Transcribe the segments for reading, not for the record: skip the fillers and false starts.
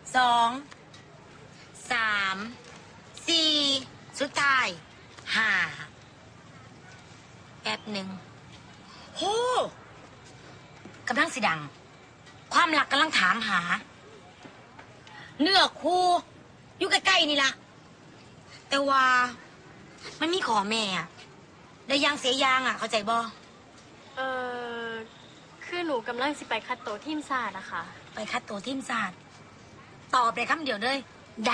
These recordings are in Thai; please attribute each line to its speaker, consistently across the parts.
Speaker 1: 2 3 4สุดท้าย5แป๊บหนึ่งโหกำลังสิดังความรักกำลังถามหาเนื้อคู่อยู่ใกล้ๆนี่ล่ะแต่ว่ามันมีขอแม่อะได้ยางเสียยางอ่ะเข้าใจบ่
Speaker 2: คือหนูกำลังสิไปคัดโตทีมศาสตร์นะคะ
Speaker 1: ไปคัดตัวทีมศาสตร์ตอบเลยคำเดียวเลยได้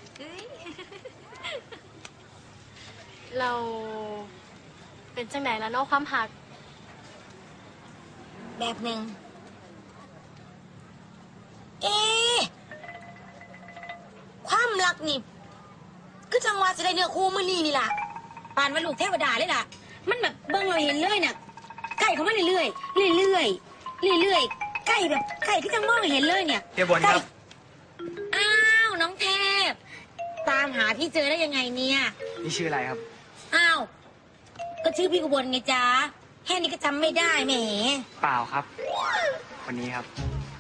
Speaker 2: เราเป็นจังไหนแล้วเนาะความหัก
Speaker 1: แบบหนึ่งเอ๊ะความรักนี่คือจังหวะจะได้เนื้อคู่มื้อนี้นี่ล่ะปานว่าลูกเทวดาเลยล่ะมันแบบเบิ่งเราเห็นเลยน่ะใกล้เข้ามาเรื่อยๆเรื่อยๆเรื่อยๆใกล้แบบใกล้ที่จังมองเห็นเลยเนี่ย
Speaker 3: เฮียบนครับ
Speaker 1: อ้าวน้องเทพตามหาพี่เจอได้ยังไงเนี่ย
Speaker 3: นี่ชื่ออะไรครับ
Speaker 1: อ้าวก็ชื่อพี่อุบลไงจ๊ะแค่นี้ก็จำไม่ได้แหม
Speaker 3: เปล่าครับคนนี้ครับ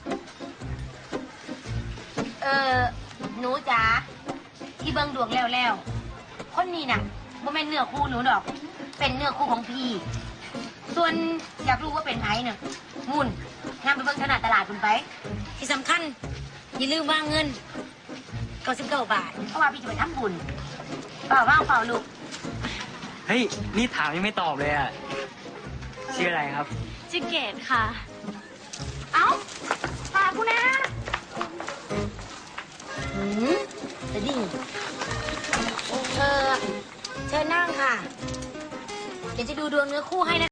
Speaker 1: หนูจ๋าที่เบิ่งดวงแล้วคนนี้น่ะบ่แม่นเนื้อคู่หนูดอกเป็นเนื้อคู่ของพี่ส่วนอยากรู้ว่าเป็นไผเนี่ยมุ่นงานไปเบิ่งขนาดตลาดคุณไปที่สำคัญอย่าลืมวางเงิน99 บาทเพราะว่าพี่จะไปทำบุญเปล่าว่างเปล่าลูก
Speaker 3: เฮ้ยนี่ถามยังไม่ตอบเลยอ่ะชื่ออะไรครับ
Speaker 2: ชื่อเกดค่ะ
Speaker 1: เอ้าฝากกูนะจะดิ่งเชิญนั่งค่ะเดี๋ยวจะดูดวงเนื้อคู่ให้นะ